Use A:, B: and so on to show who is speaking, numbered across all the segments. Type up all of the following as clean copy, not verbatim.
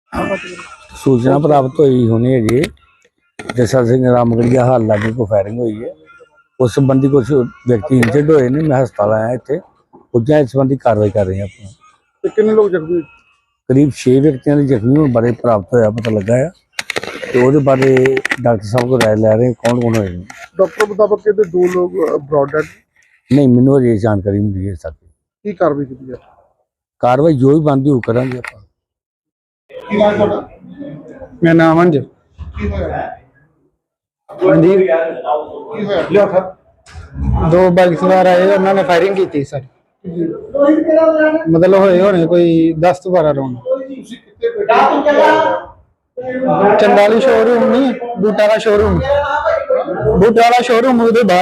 A: सूचना प्राप्त हुई होनी है जी जैसा सिंह रामगढ़िया हाल लागे को फायरिंग हुई है। उस संबंधी कुछ व्यक्ति इंजर्ड हुए ने। मैं हस्पताल आया इतने पुजा इस संबंधी कार्रवाई कर रहे हैं। अपना
B: कितने लोग जख्मी?
A: करीब 6 व्यक्तियों के जख्मी होने बारे प्राप्त होया पता लगा है। तो वो बारे डॉक्टर साहब को राय लै रहे हैं कौन कौन होए।
B: डॉक्टर मुताबिक कहते 2 लोग ब्रॉड डेड।
A: नहीं मैनू अजे जानकारी मिली है। साथ
B: की कार्रवाई की है?
A: कार्रवाई जो भी बनती वो करेंगे आप।
C: मेरा नाम अंज दो बाइक सवार आए उन्होंने फायरिंग की थी सर। मतलब होने कोई 10 तो 12 राउंड। चंदाली शोरूम नहीं बूटा का शोरूम ਉਹਦੇ ਬਾਹਰ।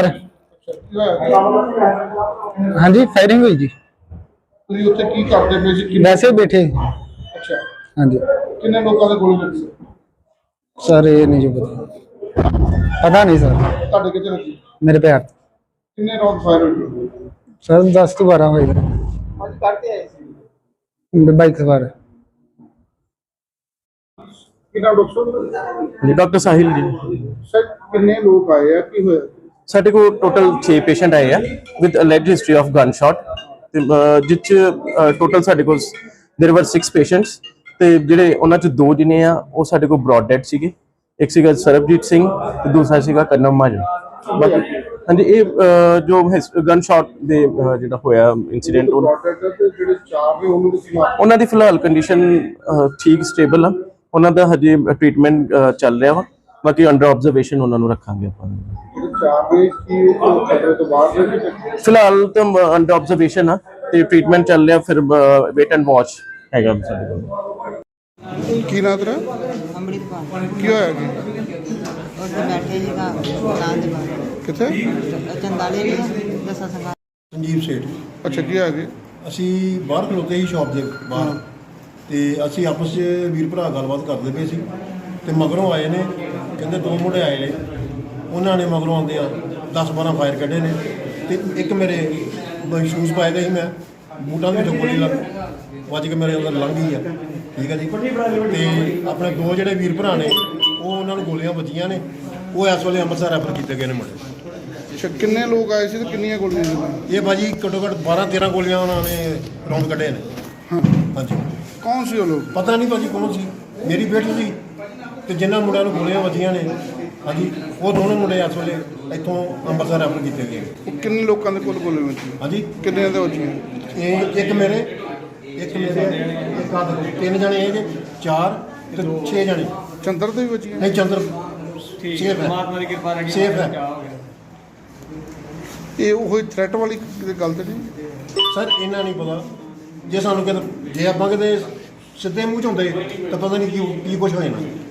C: हाँ जी फायरिंग हुई जी।
B: ਤੁਸੀਂ ਉੱਥੇ ਕੀ ਕਰਦੇ ਪਏ ਸੀ?
C: वैसे बैठे।
B: ਅੱਛਾ
C: हाँ जी
B: ਕਿੰਨੇ ਲੋਕਾਂ ਦੇ ਗੋਲੀ ਲੱਗੀ?
C: सर ये नहीं जो पता नहीं सर।
B: ਤੁਹਾਡੇ ਕਿੱਥੇ ਲੱਗੀ?
C: मेरे पैर
B: ਕਿੰਨੇ ਰਾਉਂਡ ਫਾਇਰ ਹੋਏ?
C: सर 10 तो 12 होएगा।
B: ਅੱਜ ਕਰਦੇ ਆਏ ਸੀ
C: बाइक सवार।
B: ਕਿੰਨਾ doctor?
D: Doctor Sahil ji
B: sir ਕਿੰਨੇ ਲੋਕ ਆਏ ਆ ਕੀ ਹੋਇਆ?
D: ਸਾਡੇ ਕੋਲ ਟੋਟਲ 6 ਪੇਸ਼ੈਂਟ ਆਏ ਆ with alleged history of gun shot ਤੇ ਜਿੱਚ ਟੋਟਲ ਸਾਡੇ ਕੋਲ देयर वर 6 ਪੇਸ਼ੈਂਟਸ ਤੇ ਜਿਹੜੇ ਉਹਨਾਂ ਚ 2 ਜਿਨੇ ਆ ਉਹ ਸਾਡੇ ਕੋਲ ਬ੍ਰੌਡ ਡੈਡ ਸੀਗੇ। ਇੱਕ ਸੀਗਾ ਸਰਬਜੀਤ ਸਿੰਘ ਤੇ ਦੂਸਰਾ ਸੀਗਾ ਕਰਨਮ ਮਾਜਨ। ਬਾਕੀ ਹਾਂਜੀ ਇਹ ਜੋ ਗਨ ਸ਼ਾਟ ਦੇ ਜਿਹੜਾ ਹੋਇਆ ਇਨਸੀਡੈਂਟ
B: ਜਿਹੜੇ 4 ਨੇ ਉਹਨਾਂ ਦੀ
D: ਉਹਨਾਂ ਦੀ ਫਿਲਹਾਲ ਕੰਡੀਸ਼ਨ ਠੀਕ ਸਟੇਬਲ ਆ। ਉਹਨਾਂ ਦਾ ਹਜੇ ਟ੍ਰੀਟਮੈਂਟ ਚੱਲ ਰਿਹਾ ਵਾ। ਬਾਕੀ ਅੰਡਰ ਆਬਜ਼ਰਵੇਸ਼ਨ ਉਹਨਾਂ ਨੂੰ ਰੱਖਾਂਗੇ ਆਪਾਂ।
B: 4 ਨੇ ਕੀ ਖਤਰੇ ਤੋਂ ਬਾਹਰ ਨੇ?
D: ਫਿਲਹਾਲ ਤਾਂ ਅੰਡਰ ਆਬਜ਼ਰਵੇਸ਼ਨ ਆ ਤੇ ਟ੍ਰੀਟਮੈਂਟ ਚੱਲ ਰਿਹਾ। ਫਿਰ ਵੇਟ ਐਂਡ ਵਾਚ ਹੈਗਾ ਸਾਡੇ ਕੋਲ।
B: ਕੀ ਨਾਂ ਤੇਰਾ?
E: ਅੰਮ੍ਰਿਤਪਾਲ
B: ਕੀ ਹੋਇਆ ਜੀ?
E: ਉੱਥੇ ਬੈਠੇ ਸੀਗਾ ਨਾਂ ਦੇ ਬਾਹਰ
B: ਕਿੱਥੇ?
E: ਚੰਦਾਲੇ ਨੇ ਦਸਾਂ ਸੰਗਾ
F: ਸੰਜੀਵ ਸੇਠ।
B: ਅੱਛਾ ਕੀ ਹੋਇਆ ਜੀ?
F: ਅਸੀਂ ਬਾਹਰ ਖਲੋਤੇ ਸੀ ਸ਼ਾਪ ਦੇ ਬਾਹਰ ਤੇ ਅਸੀਂ ਆਪਸ 'ਚ ਵੀਰ ਭਰਾ ਗੱਲਬਾਤ ਕਰਦੇ ਪਏ ਸੀ ਤੇ ਮਗਰੋਂ ਆਏ ਨੇ ਕਹਿੰਦੇ 2 ਮੁੰਡੇ ਆਏ ਨੇ। ਉਹਨਾਂ ਨੇ ਮਗਰੋਂ ਆਉਂਦੇ ਆ 10-12 ਫਾਇਰ ਕੱਢੇ ਨੇ ਤੇ ਇੱਕ ਮੇਰੇ ਸ਼ੂਜ਼ ਪਾਏ ਦੇ ਸੀ ਮੈਂ ਬੂਟਾਂ ਦੇ ਵਿੱਚੋਂ ਗੋਲੀ ਵੱਜ ਕੇ ਮੇਰੇ ਅੰਦਰ ਲੰਘ ਗਈ ਆ। ਠੀਕ ਹੈ ਜੀ। ਤੇ ਆਪਣੇ 2 ਜਿਹੜੇ ਵੀਰ ਭਰਾ ਨੇ ਉਹ ਉਹਨਾਂ ਨੂੰ ਗੋਲੀਆਂ ਵੱਜੀਆਂ ਨੇ। ਉਹ ਇਸ ਵੇਲੇ ਅੰਮ੍ਰਿਤਸਰ ਰੈਫਰ ਕੀਤੇ ਗਏ ਨੇ ਮੁੰਡੇ।
B: ਅੱਛਾ ਕਿੰਨੇ ਲੋਕ ਆਏ ਸੀ ਤੇ ਕਿੰਨੀਆਂ ਗੋਲੀਆਂ ਸੀ?
F: ਇਹ ਭਾਜੀ ਘੱਟੋ ਘੱਟ 12-13 ਗੋਲੀਆਂ ਉਹਨਾਂ ਨੇ ਰਾਉਂਡ ਕੱਢੇ ਨੇ।
B: ਹਾਂ
F: ਹਾਂਜੀ
B: ਕੌਣ ਸੀ ਉਹ ਲੋਕ?
F: ਪਤਾ ਨਹੀਂ ਭਾਜੀ ਕੌਣ ਸੀ। ਮੇਰੀ ਬੇਟੀ ਸੀ ਤੇ ਜਿਨ੍ਹਾਂ ਮੁੰਡਿਆਂ ਨੂੰ ਗੋਲੀਆਂ ਵੱਜੀਆਂ ਨੇ ਹਾਂਜੀ ਉਹ ਦੋਨੋਂ ਮੁੰਡੇ ਇਸ ਵੇਲੇ ਇੱਥੋਂ ਅੰਮ੍ਰਿਤਸਰ ਰੈਫਰ ਕੀਤੇ ਗਏ।
B: ਉਹ ਕਿੰਨੇ ਲੋਕਾਂ ਦੇ ਕੋਲ ਗੋਲੀਆਂ ਵੱਜੀਆਂ?
F: ਹਾਂਜੀ
B: ਕਿੰਨੇ ਦੇ ਵੱਜੀਆਂ?
F: ਇਹ ਇੱਕ ਮੇਰੇ ਇੱਕ 3 ਜਣੇ ਇਹ ਜੇ 4 ਤੇ 6 ਜਣੇ।
B: ਚੰਦਰ ਦੇ ਵੀ ਵੱਜੀਆਂ?
F: ਨਹੀਂ ਚੰਦਰ ਸੇਫ ਹੈ।
G: ਪਰਮਾਤਮਾ ਦੀ ਕਿਰਪਾ ਨਾਲ
F: ਸੇਫ ਹੈ।
B: ਇਹ ਉਹ ਥ੍ਰੈਟ ਵਾਲੀ ਕਿਤੇ ਗੱਲ ਤੇ ਨਹੀਂ?
F: ਸਰ ਇਹਨਾਂ ਨਹੀਂ ਪਤਾ। ਜੇ ਸਾਨੂੰ ਕਿਤੇ ਜੇ ਆਪਾਂ ਕਿਤੇ ਸਿੱਧੇ ਮੂੰਹ 'ਚ ਹੁੰਦੇ ਤਾਂ ਪਤਾ ਨਹੀਂ ਕੀ ਕੁਝ ਹੋ ਜਾਣਾ।